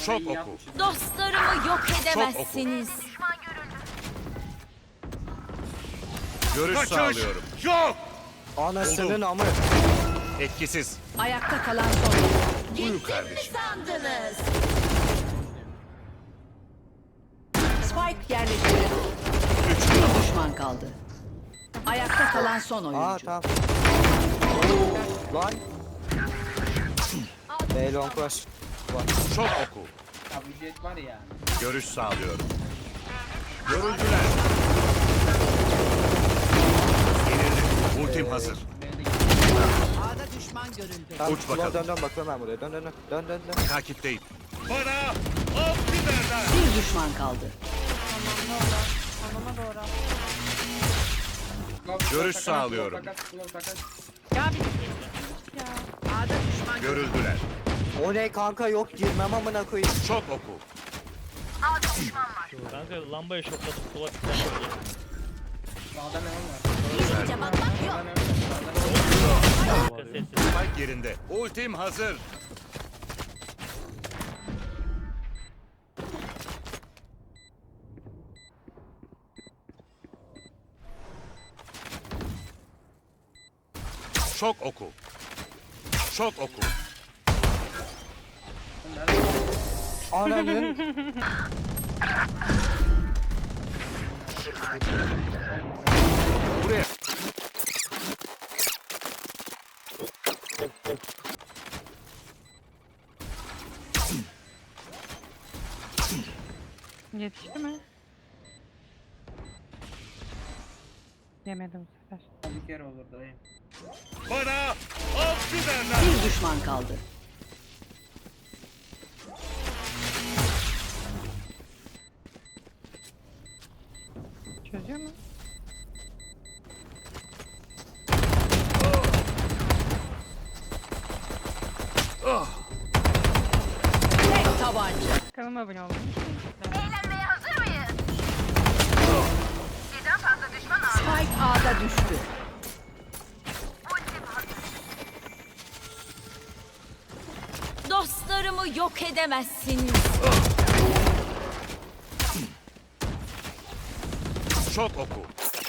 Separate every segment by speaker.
Speaker 1: Şok
Speaker 2: iyi
Speaker 1: oku.
Speaker 2: yapmışsın.
Speaker 3: Dostlarımı yok edemezsiniz.
Speaker 1: Görüş
Speaker 4: Kaçış
Speaker 1: sağlıyorum.
Speaker 4: yok.
Speaker 5: Anasının amı.
Speaker 1: Etkisiz.
Speaker 3: Ayakta kalan son.
Speaker 1: Buyur kardeşim.
Speaker 3: Sandınız. Spike yerleştirildi. Bir düşman kaldı. Ayakta kalan son
Speaker 5: Aa
Speaker 3: oyuncu.
Speaker 5: tamam. Lan. B long rush.
Speaker 1: Şok oku.
Speaker 2: Ya bu jet var ya.
Speaker 1: Görüş sağlıyorum. Görüldüler. Yenildim. Ultim hazır.
Speaker 3: A'da düşman görüldü.
Speaker 5: Tamam,
Speaker 1: Uç bakalım.
Speaker 5: Dön bakıyorum ben buraya. Dön.
Speaker 1: Takipteyim.
Speaker 4: Bana av biberler.
Speaker 3: Bir düşman kaldı.
Speaker 6: Anama doğru.
Speaker 1: Görüş sağlıyorum.
Speaker 6: Ya bir ya.
Speaker 3: A'da düşman
Speaker 1: Görüldüler.
Speaker 5: O ne kanka yok girmem amına koyayım.
Speaker 1: Şok oku.
Speaker 7: Kanka lambaya şokladım. Sola tıklar şöyle.
Speaker 2: Sağda ne var?
Speaker 3: İyice bakmak yok.
Speaker 7: Kanka sessiz.
Speaker 1: Spike yerinde. Ultim hazır. Şok oku. Şok oku.
Speaker 5: Ananın.
Speaker 1: Buraya.
Speaker 6: Yetişti mi? Yemedim bu sefer.
Speaker 2: Bir kere olur dayım.
Speaker 4: Bana av biberler.
Speaker 3: Bir düşman kaldı.
Speaker 6: Çözüyor mu?
Speaker 3: Tek tabanca.
Speaker 6: Kanalıma abone olun.
Speaker 3: Spike A'da düştü. Dostlarımı yok edemezsiniz.
Speaker 1: Şok oku.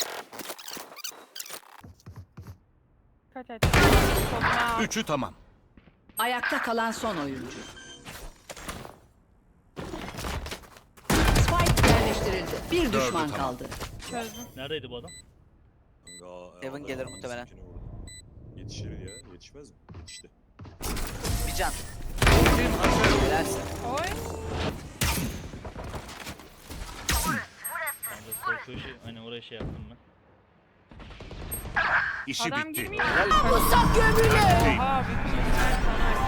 Speaker 6: Kaç et. Soluna.
Speaker 1: Üçü tamam.
Speaker 3: Ayakta kalan son oyuncu. Spike yerleştirildi. Bir
Speaker 1: Dördü
Speaker 3: düşman
Speaker 1: tamam.
Speaker 3: kaldı.
Speaker 6: Çözdüm.
Speaker 7: Neredeydi bu adam?
Speaker 8: Evan gelir muhtemelen.
Speaker 9: Yetişir ya. Yetişmez mi? Yetişti.
Speaker 8: Bir can.
Speaker 1: Ultim hazır.
Speaker 8: Helalsin.
Speaker 6: Oy.
Speaker 7: Kanka korku işi. Hani oraya şey yaptım ben.
Speaker 1: İşi
Speaker 6: Adam
Speaker 1: bitti.
Speaker 6: girmiyor.
Speaker 3: Musak gömülü.
Speaker 6: Aa bütün sen sana.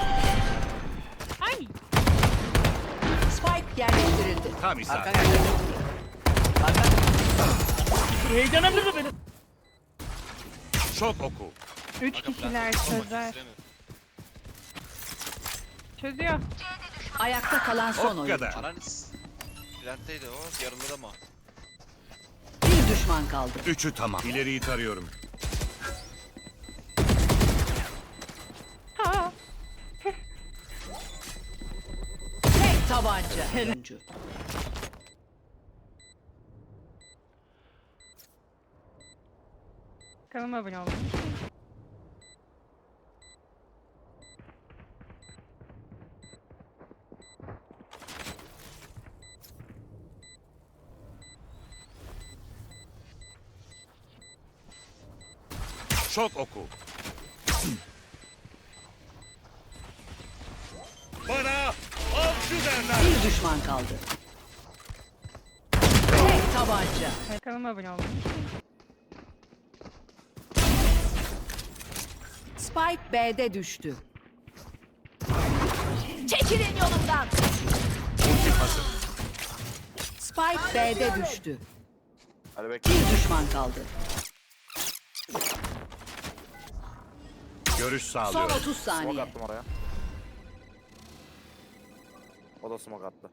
Speaker 6: Ay.
Speaker 3: Spike yerleştirildi.
Speaker 1: Tam
Speaker 8: Arkan
Speaker 1: isabet.
Speaker 8: geldi. Arkan.
Speaker 7: Heyecanlandırdı beni.
Speaker 1: Şok oku.
Speaker 6: 3 kişiler çözer. Çözüyor.
Speaker 3: Ayakta kalan son
Speaker 1: O
Speaker 3: oyuncu.
Speaker 1: kadar.
Speaker 10: Ananis. Plantteydi o. Yarılır ama.
Speaker 3: Bir düşman kaldı.
Speaker 1: Üçü tamam. İleriyi tarıyorum.
Speaker 6: Ha.
Speaker 3: Tek tabanca. Oyuncu.
Speaker 6: Kanalıma abone olun.
Speaker 1: Şok oku.
Speaker 4: Bana av biberler.
Speaker 3: Bir düşman kaldı. Tek tabanca.
Speaker 6: Kanalıma abone olun.
Speaker 3: Spike B'de düştü. Çekilin yolumdan.
Speaker 1: Ultim hazır.
Speaker 3: Spike B'de düştü.
Speaker 5: Hadi bekle.
Speaker 3: Bir düşman kaldı.
Speaker 1: Görüş
Speaker 3: Son
Speaker 1: sağlıyorum.
Speaker 3: 30
Speaker 5: Smoke
Speaker 3: saniye.
Speaker 5: attım oraya. O da smoke attı.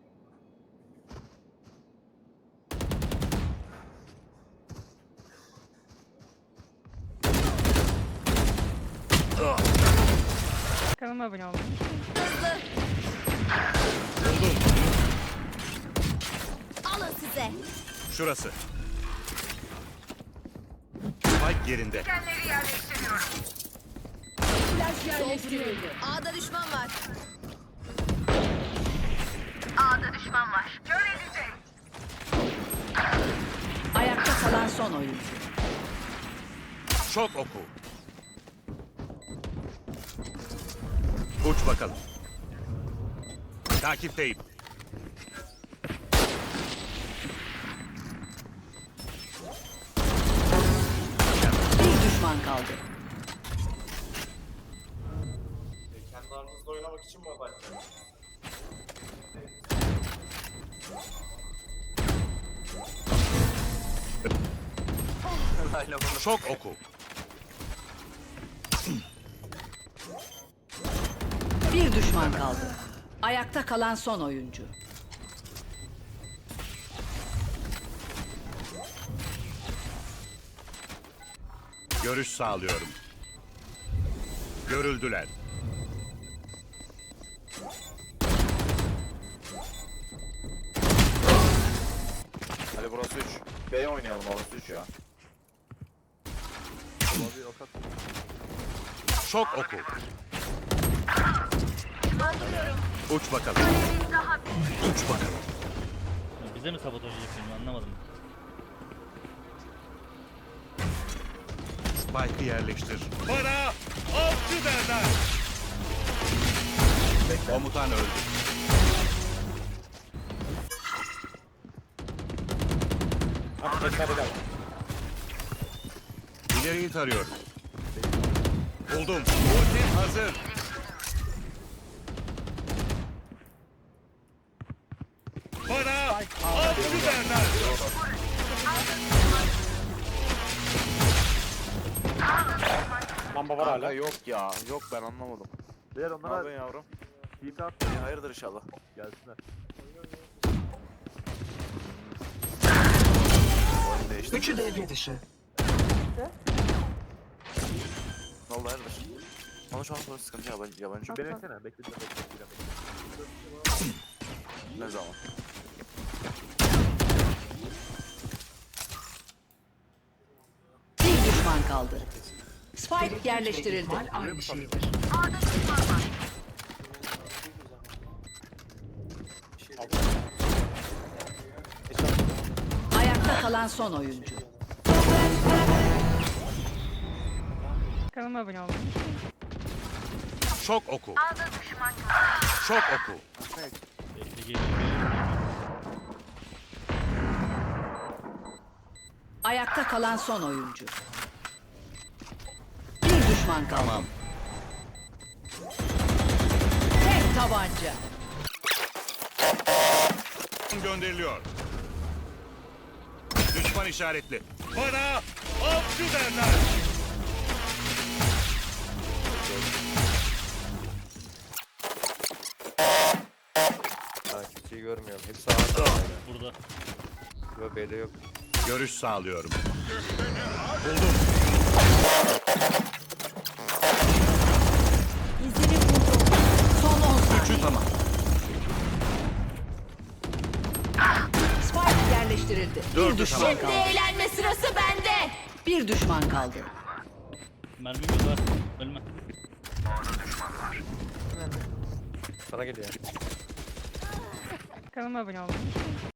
Speaker 6: Kanalıma abone olun.
Speaker 1: Şurası. Spike yerinde.
Speaker 3: Flash yerleştirildi.
Speaker 11: A'da düşman var.
Speaker 3: Ayakta kalan son oyuncu.
Speaker 1: Şok oku. Uç bakalım. Takipteyim.
Speaker 3: Bir düşman kaldı.
Speaker 5: Kendi aranızda oynamak için mi mobile?
Speaker 1: Şok oku.
Speaker 3: Bir düşman kaldı. Ayakta kalan son oyuncu.
Speaker 1: Görüş sağlıyorum. Görüldüler.
Speaker 5: Hadi burası 3. B oynayalım orası 3 ya.
Speaker 1: Şok oku. Uç bakalım. Uç bakalım.
Speaker 7: Ya bize mi sabotaj yapıyorsun anlamadım.
Speaker 1: Spike'ı yerleştir.
Speaker 4: Bana avcı derler.
Speaker 1: Komutan öldü. İleriyi tarıyorum. Buldum. Ultim hazır.
Speaker 4: Bana avcı derler.
Speaker 5: Lamba var hala. Yok ya. Yok ben anlamadım. Diğer onlara... Ne yavrum? TP attı. Hayırdır inşallah. Gelsinler.
Speaker 3: Üçü devre dışı.
Speaker 5: Ne oldu hayırdır? Ama şu an sonra sıkıntı yabancı. Beni beklesene. Bekle. Ne zaman?
Speaker 3: Bir düşman kaldı. Spike yerleştirildi. Aynı şeydir. Ayakta kalan son oyuncu.
Speaker 6: Kanalıma abone olmayı.
Speaker 1: Şok oku. Şok oku.
Speaker 7: Bekle geliyor.
Speaker 3: Ayakta kalan son oyuncu. Bir düşman kaldı.
Speaker 1: Tamam.
Speaker 3: Tek tabanca.
Speaker 1: Gönderiliyor. Düşman işaretli.
Speaker 4: Bana avcı derler.
Speaker 5: Kimseyi görmüyorum. Hepsi ağırda.
Speaker 7: Burada.
Speaker 5: Yok B'de yok.
Speaker 1: Görüş sağlıyorum. Buldum.
Speaker 3: İzini buldum. Son 10
Speaker 1: Üçü
Speaker 3: saniye.
Speaker 1: tamam.
Speaker 3: Spike yerleştirildi. Bir
Speaker 1: Dördü
Speaker 3: düşman
Speaker 1: tamam.
Speaker 3: kaldı.
Speaker 11: Eğlenme sırası bende.
Speaker 3: Bir düşman kaldı.
Speaker 7: Mermimiz var. Ölme.
Speaker 5: Sana geliyor.
Speaker 6: Kanalıma abone olmayı.